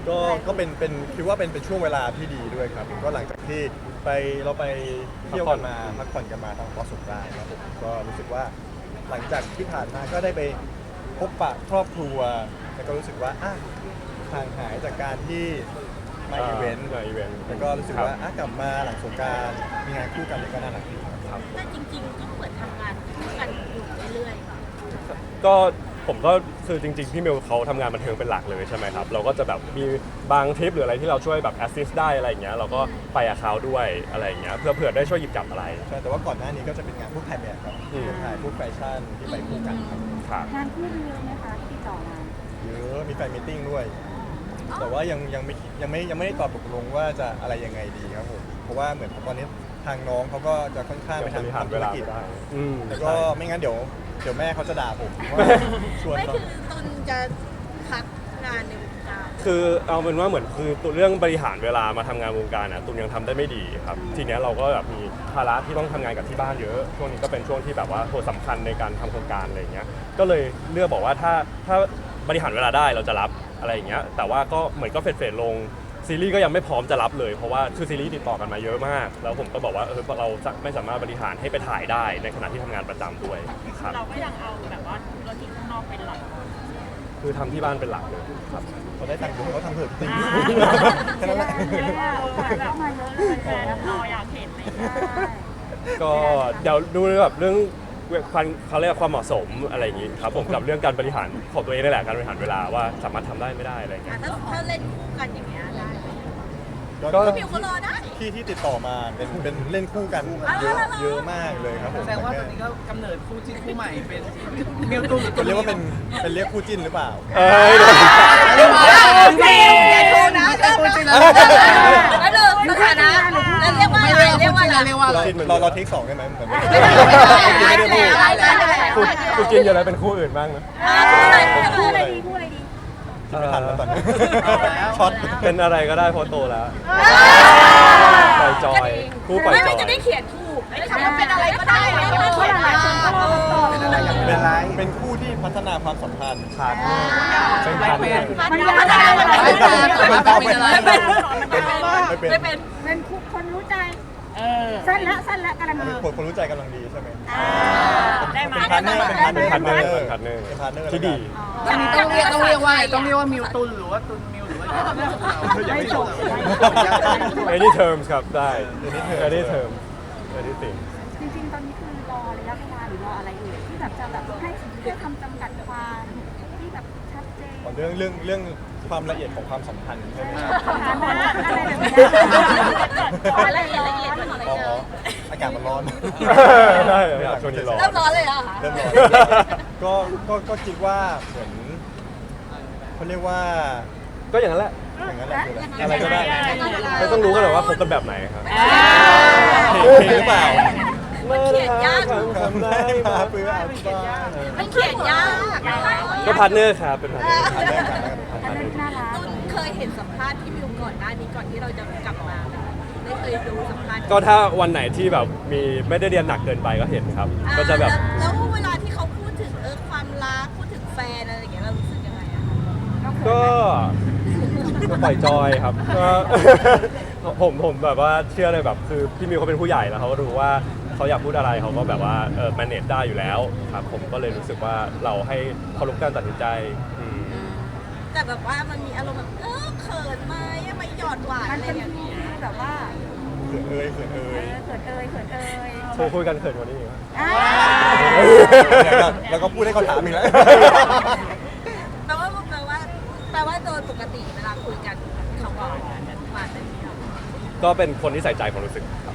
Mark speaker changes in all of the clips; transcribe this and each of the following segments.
Speaker 1: ก็เป็นคิดว่าเป็นช่วงเวลาที่ดีด้วยครับก็หลังจากที่เราไปเที่ยวกันมาพักผ่อนกันมาทางเกาะสงกรานต์ครับผมก็รู้สึกว่าหลังจากที่ผ่านมาก็ได้ไปพบปะครอบครัวแล้วก็รู้สึกว่าห่างหายจากการที่มาอีเวนต์แล้วก็รู้สึกว่ากลับมาหลังสงกรานต์มีงานคู่กันก็น่ารักดีครับ
Speaker 2: แต่จริงๆก็เหมือนทำงานคู่กันอยู่เรื่อยๆค่ะ
Speaker 3: ก็ผมก็คือจริงๆพี่มิวเขาทำงานบันเทิงเป็นหลักเลยใช่ไหมครับเราก็จะแบบมีบางทริปหรืออะไรที่เราช่วยแบบแอสซิสต์ได้อะไรอย่างเงี้ยเราก็ไปกับเขาด้วยอะไรอย่างเงี้ยเพื่อได้ช่วยหยิบจับอะไร
Speaker 1: ใช่แต่ว่าก่อนหน้านี้ก็จะเป็นงานพวกถ่ายแบบครับถ่ายพวกแฟชั่นที่ไปคู่กันครับ
Speaker 4: งานคู่มีเยอะไหมคะที่ติดต่อมา
Speaker 1: เยอะมีแฟนมีตติ้งด้วย แต่ว่ายังไม่ได้ตอบตกลงว่าจะอะไรยังไงดีครับผมเพราะว่าเหมือนตอนนี้ทางน้องเขาก็จะค่อนข้างไปทำธุรกิจแล้วก็ไม่งั้นเดี๋ยวแม่เขาจะด่าผมว่าชวน
Speaker 2: ไม่
Speaker 1: เขา
Speaker 2: คือตุนจะพักงานในวงการ
Speaker 3: คือเอาเป็นว่าเหมือนคือตัวเรื่องบริหารเวลามาทำงานวงการตุนยังทำได้ไม่ดีครับทีเนี้ยเราก็แบบมีภาระที่ต้องทำงานกับที่บ้านเยอะช่วงนี้ก็เป็นช่วงที่แบบว่าโหสำคัญในการทำโครงการอะไรอย่างเงี้ยก็เลยเลือกบอกว่าถ้าบริหารเวลาได้เราจะรับอะไรอย่างเงี้ยแต่ว่าก็เหมือนก็เฟดลงซีรีส์ก็ยังไม่พร้อมจะรับเลยเพราะว่าคือซีรีส์ติดต่อกันมาเยอะมากแล้วผมก็บอกว่าเราไม่สามารถบริหารให้ไปถ่ายได้ในขณะที่ทำงานประจำด้วยครับ
Speaker 2: เราก็ยังเอาแบบว่าธุรกิจข้างนอกเป็นหลัก
Speaker 3: คือทำที่บ้านเป็นหลักเลยครับ
Speaker 1: เขาได้ตังค์เยอะเขาทำเถอะจริงแค่นั้นแหละ
Speaker 4: เข้ามาเยอะเลยแฟน
Speaker 2: รออยากเห็นเลย
Speaker 3: ก็เดี๋ยวดูแบบเรื่องเขาเรียกความเหมาะสมอะไรอย่างนี้ครับผมกับเรื่องการบริหารของตัวเองนี่แหละการบริหารเวลาว่าสามารถทำได้ไม่ได้อะไรอย่างเงี้ย
Speaker 2: ถ้าเล่นคู่กันอย่างเงี้ยได้
Speaker 1: ก็
Speaker 2: มิวเขารอได้
Speaker 1: ที่ติดต่อมาเป็นเล่นคู่กันเยอะมากเลยครับผม
Speaker 5: แสดงว่าตอนนี้ก็กำเนิดคู่จิ้นคู่ใหม่เป็นมิวตูน
Speaker 1: จะเรียกว่าเป็นเรียกคู่จิ้นหรือเปล่า
Speaker 2: เรียกคู่นะเริ่มแล้วเริ่มสถานะแล้วเรียกว่าอะไรเรียกว่าอะไร
Speaker 1: เราเทค2ได้ไหมเหมือนไม่ได้พูด
Speaker 3: คู่จิ้นอยู่แล้วเป็นคู่อื่นบ้างนะ
Speaker 4: คู่อะไรดีคู่อะไรดี
Speaker 1: ไม่ทันแล้วตอนนี้ช็อต
Speaker 3: เป็นอะไรก็ได้เพราะโตแล้วปล่อยจอยคู่ปล่อยจ
Speaker 2: ไม่
Speaker 3: อย
Speaker 2: จะได้เขียนถูกไม่ใช่ว่าเป็นอะไรก็ได้ไม่ต้องเขียน
Speaker 4: หลายคนก็รอคำตอบ
Speaker 1: เป็นคู่ที่พัฒนาความสัมพันธ์
Speaker 3: ขาดเป็นพันเลย
Speaker 4: มันยาก
Speaker 1: ไม่เป็น
Speaker 4: เป็นคู่คนรู้ใจสั้นละกำลังดี
Speaker 1: คนรู้ใจกำลังดีใช่ไหม
Speaker 2: ได้ไหม
Speaker 1: เป็นพาร์ทเนอร์
Speaker 3: เป็นพาร์ทเนอร์ที่ดี
Speaker 5: ต้องเรียกว่ามิวตุนหรือว่าตุนมิวหรือว่ายังไม่จบ
Speaker 3: any terms ครับได้ any terms anything
Speaker 4: จริงๆตอนนี้คือรอระยะเวลาหรือรออะไรอยู่ที่แบบจะแบบให้เพื่อทำจำกัดความที่แบบชัดเจน
Speaker 1: เรื่องความละเอียดของความสัมพันธ์ใช่ไหมครับ
Speaker 2: อะไรละเอียดมันอะไร
Speaker 1: อ๋อ
Speaker 2: เจอ
Speaker 1: อากาศมันร้อน
Speaker 3: ได้ครับช่วงนี้ร้อน
Speaker 2: เริ่มร้อนเลยเหรอคะ
Speaker 1: เริ่มร้อนก็คิดว่าเหมือนเขาเรียกว่า
Speaker 3: ก็อย่างนั้นแหละ
Speaker 1: อย่างนั้นแหละคืออะไรก็ได้
Speaker 3: ไม่ต้องรู้กันหรอกว่าคบกันแบบไหนครับ
Speaker 1: เพลงหรือเปล่า
Speaker 2: มันเขียนยาก
Speaker 1: ทำได้มาเพื่ออาบ้า
Speaker 2: มันเขียนยาก
Speaker 3: ก็พาร์ทเนอร์ครับเป็นพาร์ทเนอร์
Speaker 1: อันแรกกัน
Speaker 4: อันนั้นน่ารัก
Speaker 2: ตุนเคยเห็นสัมภาษณ์ที่มิวก่อนหน้านี้ก่อนที่เราจะกลับมาได้เคยดูสัมภาษณ์
Speaker 3: ก็ถ้าวันไหนที่แบบมีไม่ได้เรียนหนักเกินไปก็เห็นครับ ก็จะแบบ
Speaker 2: แล้วเวลาที่เขาพูดถึงความรักพูดถึงแฟนอะไรอย่างเงี้ยเรารู้สึกยังไงอะ
Speaker 3: ก็ปล่อยจอยครับก็ ผมแบบว่าเชื่อเลยแบบคือพี่มิวเขาเป็นผู้ใหญ่แล้วเขาก็รู้ว่าเขาอยากพูดอะไรเขาก็แบบว่าmanage ได้อยู่แล้วครับผมก็เลยรู้สึกว่าเราให้เคารพการตัดสินใจ
Speaker 2: แต่แบบว่ามันมีอารมณ์แบบเขินไหมไม่หยอดหวาน
Speaker 4: มัน
Speaker 2: อะไร
Speaker 4: เป็น
Speaker 2: อย่าง
Speaker 4: ฟี
Speaker 2: เงี้ย
Speaker 4: ลแบบว่า
Speaker 1: เขินเอ่ย
Speaker 4: เขินเอ่ย
Speaker 3: โทรคุยกันเขินกว่านี้อีก
Speaker 1: แล้วก็พูดให้เขาถามอีกแล้ว
Speaker 2: แปลว่าโดยปกติเวลาคุยกันเขาก็มาเป็นเดียว
Speaker 3: ก็เป็นคนที่ใส่ใจความรู้สึกครับ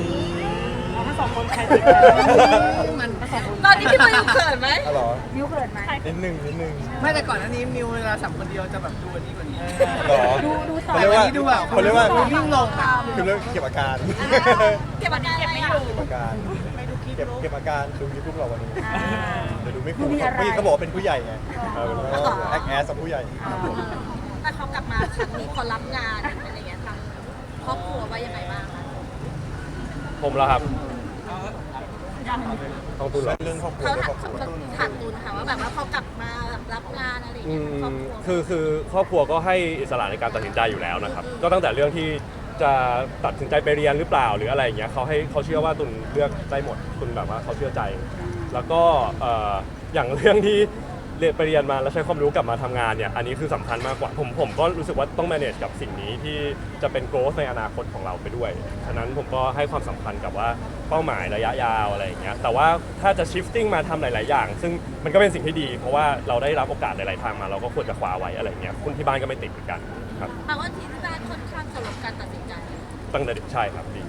Speaker 2: ตอนนี้พี่มิวเขินไหม
Speaker 1: อ๋อเหรอ
Speaker 4: มิวเขินไหม
Speaker 1: นิดนึง
Speaker 5: ไม่แต่ก่อนหน้านี้มิวเวลาสัมคนเดียวจะแบบดูอันนี้กว่านี้
Speaker 1: หรอ
Speaker 4: ดูต่อ
Speaker 1: เขาเรียกว่า
Speaker 5: วิ่งลง
Speaker 1: คือเรื่องเก็บอาการ
Speaker 2: เก็บอาการไม่อยู่
Speaker 1: เก็บอาการเก็บอาการดูยูทูบเราวันนี้เดี๋ยวดูไม่คุ้มพี่เขาบอกว่าเป็นผู้ใหญ่ไงแอคแอสกับผู้ใหญ่
Speaker 2: แต่เขากลับมาครั้งนี้พอรับงานอะไรอย่างเงี้ยทางครอบครัวว่ายังไงบ้างคะ
Speaker 3: ผมแล้วครับต้องตุนเหรอ
Speaker 1: เรื่องครอบครัว
Speaker 2: เขา
Speaker 1: เรื่องครอบครัว
Speaker 2: ถามตูนค่ะว่าแบบว่าพอกลับมารับงานอะไรอย่างเงี้ยครอบครัว
Speaker 3: คือครอบครัวก็ให้อิสระในการตัดสินใจอยู่แล้วนะครับก็ตั้งแต่เรื่องที่จะตัดสินใจไปเรียนหรือเปล่าหรืออะไรอย่างเงี้ยเขาเชื่อว่าตุนเลือกได้หมดตุนแบบว่าเขาเชื่อใจ แล้วก็อย่างเรื่องที่เรียนไปเรียนมาแล้วใช้ความรู้กลับมาทำงานเนี่ยอันนี้คือสำคัญมากกว่าผมก็รู้สึกว่าต้อง manage กับสิ่งนี้ที่จะเป็น growth ในอนาคตของเราไปด้วยฉะนั้นผมก็ให้ความสำคัญกับว่าเป้าหมายระยะยาวอะไรอย่างเงี้ยแต่ว่าถ้าจะ shifting มาทำหลาย ๆ อย่าง ซึ่งมันก็เป็นสิ่งที่ดี เพราะว่าเราได้รับโอกาสหลาย ๆ ทางมาเราก็ควรจะคว้าไว้อะไรอย่างเงี้ยคุณที่บ้านก็ไม่ติดเหมือนกันครับ
Speaker 2: แปลว่าที่บ้านค่อนข้างเคารพการตัดสินใจ
Speaker 3: ตั้งแต่เด็กใช่ครับดี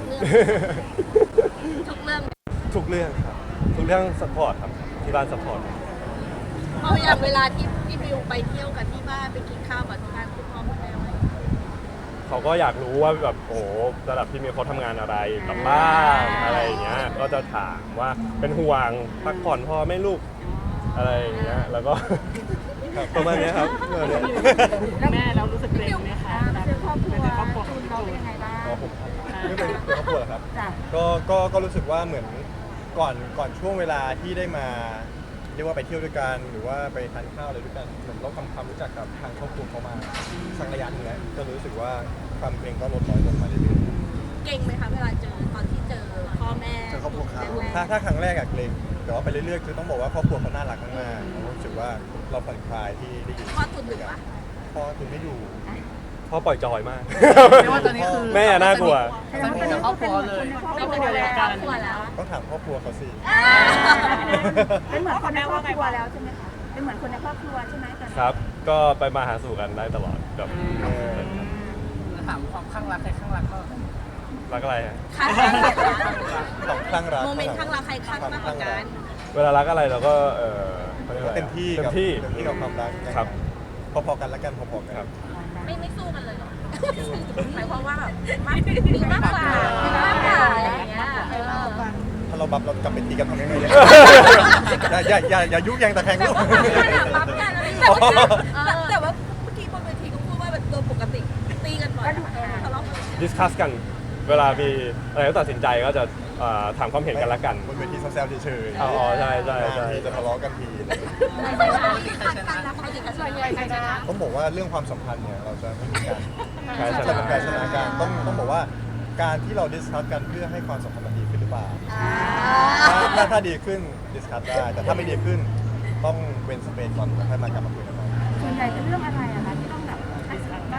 Speaker 2: ทุกเรื่อง
Speaker 3: ทุกเรื่องครับทุกเรื่อง support ครับที่บ้าน support
Speaker 2: พออย่างเวลาที่พี่บิวไปเที่ยวกับที่บ้านไปกินข้าวกับที่บ้านคุณพ่อคุณแม่ไหม
Speaker 3: เขาก็อยากรู้ว่าแบบโอ้โหระดับที่มีเขาทำงานอะไรกลับบ้านอะไรอย่างเงี้ยก็จะถามว่าเป็นห่วงพักผ่อนพอไหม่ลูกอะไรอย่างเงี้ยแล้วก็ ประมาณเนี้ยครับประมาณเนี้ย
Speaker 5: แม่เรารู้สึกเกรงไหมคะ
Speaker 4: เป็นครอบครัว
Speaker 5: เป็นครอบครัว
Speaker 4: คุณเราเป็นยังไงบ้าง
Speaker 1: อ๋อผมไม่เป็นครอบครัวเหรอครับ
Speaker 4: จ้ะ
Speaker 1: ก็รู้สึกว่าเหมือนก่อนช่วงเวลาที่ได้มาเรียกว่าไปเที่ยวด้วยกันหรือว่าไปทานข้าวอะไรด้วยกันเหมือนเราทำความรู้จักกับทางครอบครัวเขามาสักระยะหนึงแล้วก็รู้สึกว่าความเกรงก็ลดน้อยลงมาเรื่อย
Speaker 2: เก่งไหมคะเวลาเจอตอนที่เจอพ่อแม่
Speaker 1: ๆเจอครอบครัวเขา
Speaker 2: แรก
Speaker 1: ถ้าครั้งแรกอะเกรงแต่ว่าไปเรื่อยๆคือต้องบอกว่าครอบครัวเขาน่ารักมากๆผมรู้สึกว่าเราผ่อนคลายที่ได้อยู่
Speaker 2: พ่อตุนอยู่ปะ
Speaker 1: พ่อคุณไม่อยู่
Speaker 3: พ่อปล่อยจอยมาก
Speaker 5: เรียกว่าตอนนี้คือ
Speaker 3: แม่น่ากลัว
Speaker 5: สนิทกับครอบครัวเลย
Speaker 2: ก็เป็นดูแลครอบครัวแล้ว
Speaker 1: ต้องถามครอบครัวเขาสิ
Speaker 4: เป็นเหมือนคนในครอบครัวแล้วใช่ไหมคะเป็นเหมือนคนในครอบครัวใช่ไหมตอนนี้
Speaker 3: ครับ ก็ไปมาหาสู่กันได้ตลอดแบบ
Speaker 5: ถามความข้างรักใครข้างรักก็
Speaker 3: รักอะไรฮะ
Speaker 2: ค่ะ
Speaker 1: ต้องคลั่งรัก
Speaker 2: โมเมนต์ข้างรักใครข้างมากกว่ากัน
Speaker 3: เวลารักอะไรเราก็ขารียก
Speaker 1: ก็
Speaker 3: อะไร
Speaker 1: เต็มที่
Speaker 3: เต็
Speaker 1: กับ
Speaker 3: มที่
Speaker 1: กับความรัก
Speaker 3: ครับ
Speaker 1: พอๆกันแล้วกันพอๆกัน
Speaker 3: ครับ
Speaker 2: ไม่สู้กันเลยเหรอหมายความว่าแบบมีมากกว่ามีมากกว่าอะไรอย่างเงี้ย
Speaker 1: ถ้าเราบับเรากลับไปตีกันทำยังไงเนี่ย อย่ายุแยงตะแคงลูก
Speaker 2: ปั๊มกันอะไรแต่ว่าเมื่อกี้บนเวทีก็พูดว่าแบบโดยปกติตีกันบ่อยทะเลาะกัน
Speaker 3: ดิสคัสกัน เวลามีอะไรต้องตัดสินใจก็จะถามความเห็นกันละกัน
Speaker 1: บนเวทีแซวๆเฉยๆ
Speaker 3: อ๋อใช่ใช่ใช่
Speaker 1: ทีจะทะเลาะกันทีอะไรอย่างเงี้ย ต้องบอกว่าเรื่องความสัมพันธ์เนี่ยเราจะไม่มีการ
Speaker 3: ใช่ใช่
Speaker 1: จะเป็นการชนะการต้องบอกว่าการที่เราดิสคัสกันเพื่อให้ความสัมพันธ์มันดีขึ้นหรือเปล่าถ้าดีขึ้นดิสคัสได้แต่ถ้าไม่ดีขึ้นต้องเว้นสเปซก่อนแล้วค่อยมากลับมาคุยกันใหม่
Speaker 4: ส่วนใหญ่เป็นเรื่องอะไรอะคะที่ต้องแบบว่า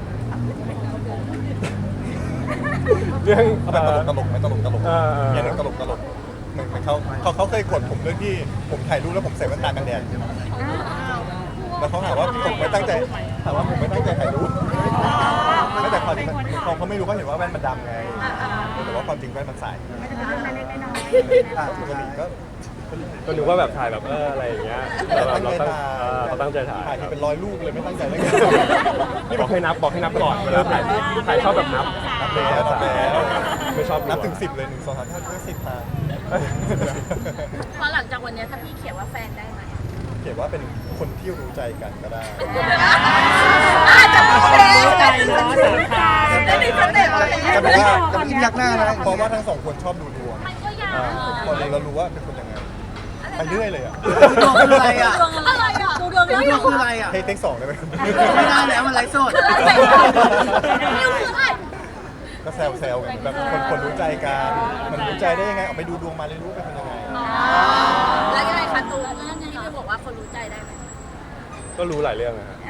Speaker 3: เรื่อง
Speaker 1: เอาแบบตลกไหมตลก
Speaker 3: เออ
Speaker 1: อย่างนั้นตลกเหมือนเขาเคยกดผมเรื่องที่ผมถ่ายรูปแล้วผมใส่แว่นตากันแดดแล้วเขาหาว่าผมไม่ตั้งใจถามว่าผมไม่ตั้งใจถ่ายรูปไม่แต่ความจริงเขาไม่รู้เขาเห็นว่าแว่นมันดำไงแต่ว่าความจริงแว่นมันใส
Speaker 4: ไม่ได้เป็นเรื่องเล็กๆน้อย
Speaker 1: ปกติก็
Speaker 3: ก็นึกว่าแบบถ่ายแบบอะไรอย่างเงี้ยแต่แบบเราตั้งใจถ่าย
Speaker 1: ถ่ายที่เป็นร้อยรูปเลยไม่ตั้งใจเลย
Speaker 3: นี่บอกให้นับก่อนเวลาถ่ายชอบแบบนับ
Speaker 1: นับแล้ว
Speaker 3: ไม่ชอบ
Speaker 1: นับถึง 10เลย1 2 3 4 5 10ทาง
Speaker 2: พอหลังจากวันนี้ถ้าพี่เขียนว่าแฟนได้ไหม
Speaker 1: เขียนว่าเป็นคนที่รู้ใจกันก็ได้
Speaker 2: จะพูดเอง
Speaker 5: ใจเนาะสามคา
Speaker 2: ได้มีสเต็ปเลย
Speaker 1: แต่ผมว่าจะไม่ยักหน้านะเพราะว่าทั้งสองคนชอบดูดวง
Speaker 2: มันก็ยาก
Speaker 1: พอเรารู้ว่าเป็นคนยังไงไปเรื่อยเลยอ่ะ
Speaker 5: ดูดวงคืออะไรอ่ะ
Speaker 2: ดวงอะไรอ่ะดูดวง
Speaker 5: ดู
Speaker 2: แล้ว
Speaker 5: ดวงคืออะไรอ่ะ
Speaker 1: เทค2ได้ไหม
Speaker 5: ไม่ได้แล้วมันไร้สด
Speaker 2: นิวคืออะไร
Speaker 1: ก็แซวกันแบบคนรู้ใจกันมันรู้ใจได้ยังไงออกไปดูดวงมาเลยรู้เป็นคนยังไง
Speaker 2: แล้วยังไงคะตูนที่พี่บอกว่าคนรู้ใจได้ไหม
Speaker 3: ก็รู้หลายเรื่องนะฮะ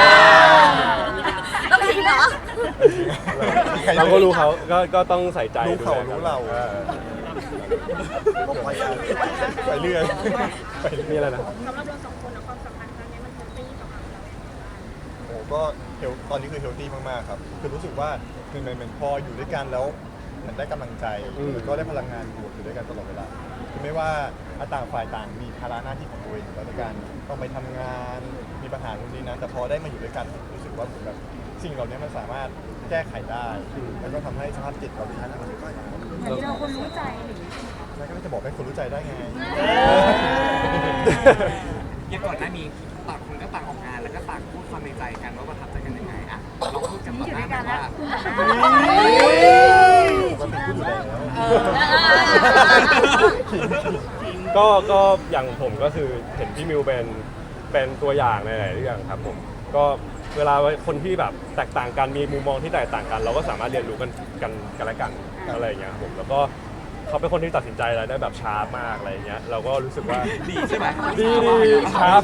Speaker 2: ต้องทิ้งเหรอ
Speaker 3: เราก็รู้เขาก็ต้องใส่ใจ
Speaker 1: รู้เขา
Speaker 3: ดูแลกัน
Speaker 1: รู้เราไปเรื่อยไปเรื่อย
Speaker 3: นี่อะไรนะ
Speaker 2: สำหรับเราสองคนความสัมพันธ์ครั้งนี้มันเฮลตี้สำหรับเรา
Speaker 1: โอ้ก็ตอนนี้คือเฮลตี้มากๆครับคือรู้สึกว่าเหมือนพออยู่ด้วยกันแล้วเหมือนได้กำลังใจแล้วก็ได้พลังงานบวกอยู่ด้วยกันตลอดเวลาคือไม่ว่าต่างฝ่ายต่างมีภาระหน้าที่ของตัวเองแล้วในการต้องไปทำงานมีปัญหาตรงนี้นะแต่พอได้มาอยู่ด้วยกันรู้สึกว่าเหมือนแบบสิ่งเหล่านี้มันสามารถแก้ไขได้แล้วก็ทำให้สภาพจิตเราดีขึ้น
Speaker 4: ๆเหมือนที่เราคนรู้ใจอะไรอย่างเงี้ย
Speaker 1: แล้วก็จะบอกให้คนรู้ใจได้ไง
Speaker 6: อย่างก่อนหน้านี้ต่างคนก็ต่างออกงานแล้วก็ต่างพูดความในใจกันว่าประทับใจกันยังไงอ่ะเราพูดกัน
Speaker 4: นี่
Speaker 6: ต่อ
Speaker 4: อยู่
Speaker 6: ห
Speaker 4: ด้
Speaker 6: น้า
Speaker 4: วย
Speaker 6: แบ
Speaker 4: กัน
Speaker 6: บ
Speaker 4: แล้ว
Speaker 6: ว่า
Speaker 1: ปกติพูดอยู่แล้ว
Speaker 3: ก็อย่างผมก็คือเห็นพี่มิวเป็นเป็นตัวอย่างในหลายๆเรื่องครับผมก็เวลาคนที่แบบแตกต่างกันมีมุมมองที่แตกต่างกัน เราก็สามารถเรียนรู้กันและกันอะไรอย่างเงี้ยครับผมแล้วก็เขาเป็นคนที่ตัดสินใจอะไรได้แบบชาร์ปมากอะไรอย่างเงี้ยเราก็รู้สึกว่า
Speaker 6: ดีใช่ไหม
Speaker 3: ดีชาร์ป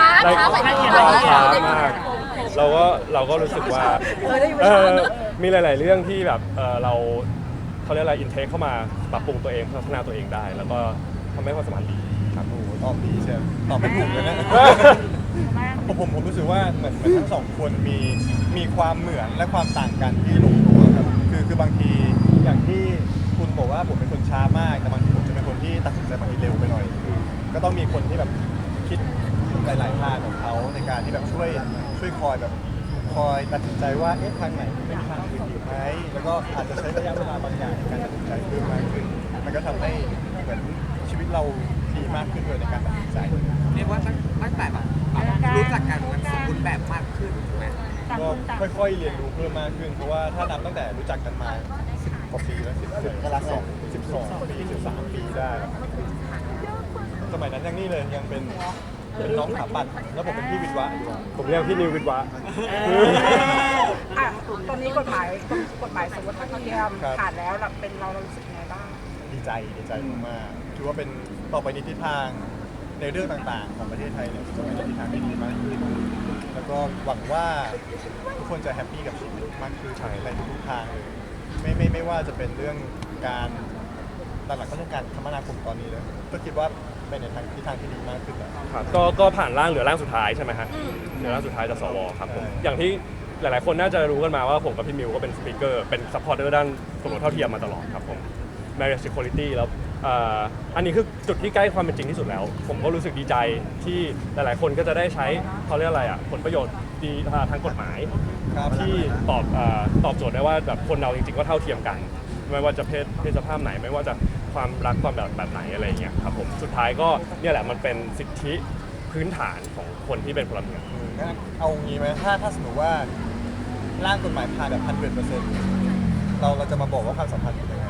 Speaker 3: มากเราก็รู้สึกว่ามีหลาย ๆ เรื่องที่แบบเขาเรียกอะไรอินเทคเข้ามาปรับปรุงตัวเองพัฒนาตัวเองได้ แล้วก็ทำให้ความสัมพันธ์ดี
Speaker 1: ครับโอ้โหตอบดีใช่ไหมตอบไม่ถูกเลยนะ ผมรู้สึกว่าเหมือนทั้งสองคนมีความเหมือนและความต่างกันที่ลงตัวครับคือบางทีอย่างที่คุณบอกว่าผมเป็นคนช้ามากแต่บางทีผมจะเป็นคนที่ตัดสินใจบางทีเร็วไปหน่อย ก็ต้องมีคนที่แบบคิดหลายๆทางของเขาในการที่แบบช่วยคอยตัดสินใจว่าเอ๊ะทางไหนเป็นทางอื่นดีไหมแล้วก็อาจจะใช้ระยะเวลาบางอย่างในการตัดสินใจเพิ่มมากขึ้นมันก็ทำให้เหมือนชีวิตเราดีมากขึ้นด้วยในการตัดสินใจ
Speaker 6: เรียกว่าตั้งแต่แบบรู้จักกันมันสมบูรณ์แบบมากขึ้นถูกไหม
Speaker 1: ก็ค่อยๆเรียนรู้เพิ่มมากขึ้น เพราะว่าถ้านับตั้งแต่รู้จักกันมา10กว่าปีแล้ว12ปี13 ปีได้ครับสมัยนั้นยังนี่เลยยังเป็นน้องขาปัดแล้วผมเป็นพี่วิทย์วะอยู่
Speaker 3: ผมเรียกพี่นิววิทย์วะ
Speaker 7: อ่ะตอนนี้กฎหมายสมรสเท่าเทียมผ่านแล้วเป็นเรารู้สึกยังไงบ้าง
Speaker 1: ดีใจมากๆถือว่าเป็นต่อไปในทิศทางในเรื่องต่างๆ ของประเทศไทยเนี่ยจะไปในทิศทางที่ดีมากขึ้นแล้วก็หวังว่าทุกคนจะแฮปปี้กับชีวิตมากขึ้นในทุกทางเลยไม่ว่าจะเป็นเรื่องการหลักๆก็เรื่องการคมนาคมตอนนี้เลยก็คิดว่าไปในทิศทางที่ดีมากขึ้นแล้ว
Speaker 3: ครับก็ผ่านร่างเหลือร่างสุดท้ายใช่ไหมฮะเหลือร่างสุดท้ายจากสวครับผมอย่างที่หลายๆคนน่าจะรู้กันมาว่าผมกับพี่มิวก็เป็นสปีกเกอร์เป็นซัพพอร์ตเตอร์ด้านสมรสเท่าเทียมมาตลอดครับผม marriage equality แล้วอันนี้คือจุดที่ใกล้ความเป็นจริงที่สุดแล้ว ผมก็รู้สึกดีใจที่หลายๆคนก็จะได้ใช้เขาเรียกอะไรอ่ะผลประโยชน์ดีทางกฎหมาย
Speaker 1: ครับ
Speaker 3: ที่ตอบโจทย์ได้ว่าแบบคนเราจริงๆก็เท่าเทียมกัน ไม่ว่าจะเพศสภาพไหนไม่ว่าจะความรักความแบบไหนอะไรอย่างเงี้ยครับผมสุดท้ายก็เนี่ยแหละมันเป็นสิทธิพื้นฐานของคนที่เป็นพลเมือง
Speaker 1: งั้นเอางี้ไหมถ้าสมมติว่าร่างกฎหมายผ่านแบบ100%เราจะมาบอกว่าความสัมพันธ์เป็นยังไง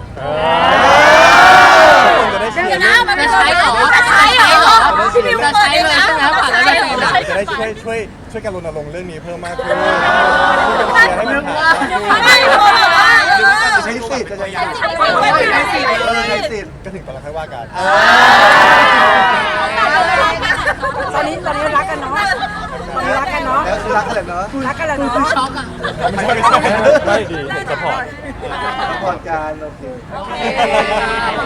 Speaker 1: จะได้เชีย
Speaker 2: เดี๋ยว
Speaker 1: ร์
Speaker 2: นะมันจะใช้เหรอจะใช้เหรอพี่มิว
Speaker 5: จะใช้เลยใช่ไหมผ่านแล้วจะใช้เลย
Speaker 1: จะได้ช่วยกันรณรงค์เรื่องนี้เพิ่มมากขึ้นช่วยกันเชียร์ให้มันผ่าน
Speaker 6: ใช้สิทธิ์จะยัง
Speaker 1: ใช้สิทธิ์ก็ถึงตอนเราค่อยว่ากัน
Speaker 7: ตอนนี้รักกันเนาะตอนนี้รักกันเนาะ
Speaker 1: แล้วคือรักกันเลยเนาะ
Speaker 7: รักกันแล้วเนาะ
Speaker 5: ช็อกอ่ะ
Speaker 3: ไม่ดีผมสปอร์ต
Speaker 1: พอดการโอเค